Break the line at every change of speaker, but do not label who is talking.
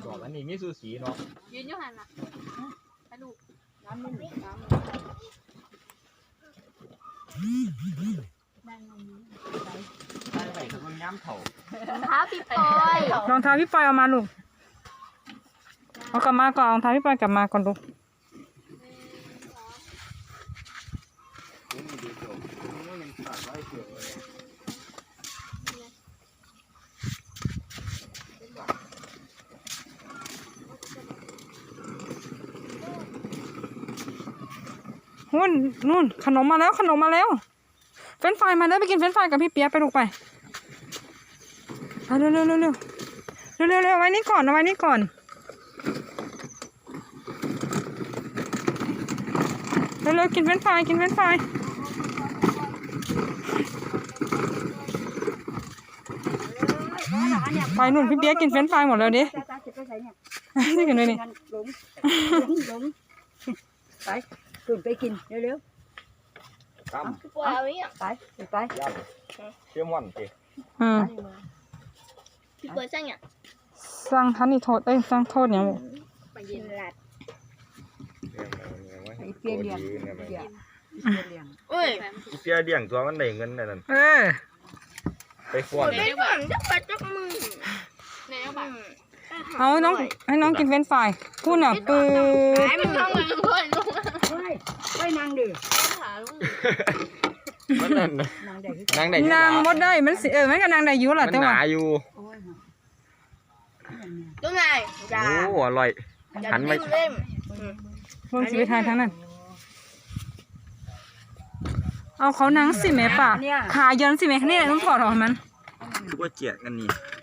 ดอกอันนี้มีสูสีเนาะ
ยืนอยู่หันน่ะไปลูกน้ำมันน้ำ
ได้ไปคือมันย้ำเถ่าร
องเท้าพี่ปอย
รองเท้าพี่ปอยเอามาลูกเอากลับมาก่อนรองเท้าพี่ปอยกลับมาก่อนลูก
นี่ดูจบนี่มันขาดไว้เกี่ยวเลย
นู่นขนมมาแล้วขนมมาแล้วเฟรนช์ฟรายมาเด้อไปกินเฟรนช์ฟรายกับพี่เปียกไปลูกไปเร็วเอาไว้นี่ก่อนเอาไว้นี่ก่อนเร็วกินเฟรนช์ฟรายกินเฟรนช์ฟรายไปนู่นพี่เปียกกินเฟรนช์ฟรายหมดแล้วดินี่กันเลยนี่
หลงไปตื่นไปกินเร็ว
ตั้ม
ปอยเอาอย่าง
ๆไป
ย่ำเชื่อมวันสิ
พี่ปอยสั่งอย่าง
สั่งทันนี่โทษสั่งโทษอย่างลูก
ไปยินหลัด
ไอ้เปียเลี้ยงเอ้ย
เปียเลี้ยงตัวมันได้เงินนั่นไปฟ้อน
ไปก่อนจะไปจับมือในเอาแบบ
เอาน้องให้น้องกินเฟรนช์ฟรายพูดน่ะปื้
ไอ้มันทำอะไรเพื่อนลูก
ไว้นางดื้อ
ขาลูก
มันนั่น
นางได้
นางได้
นางมดได้มันสิมันก็นางได้อยู่
มั
ล่ะ
น
แต่
ห
ว่า
นาอยู่
ตัวไหนจ้า
โอ้อร่อยหันไป
เล่ม
เบิ่งสิไปทางนั้นเอาเขานังสิแม่ป่ะขาเยินสิแม่นี่ต้องถอดออกมัน
คือว่าเจียกันนี่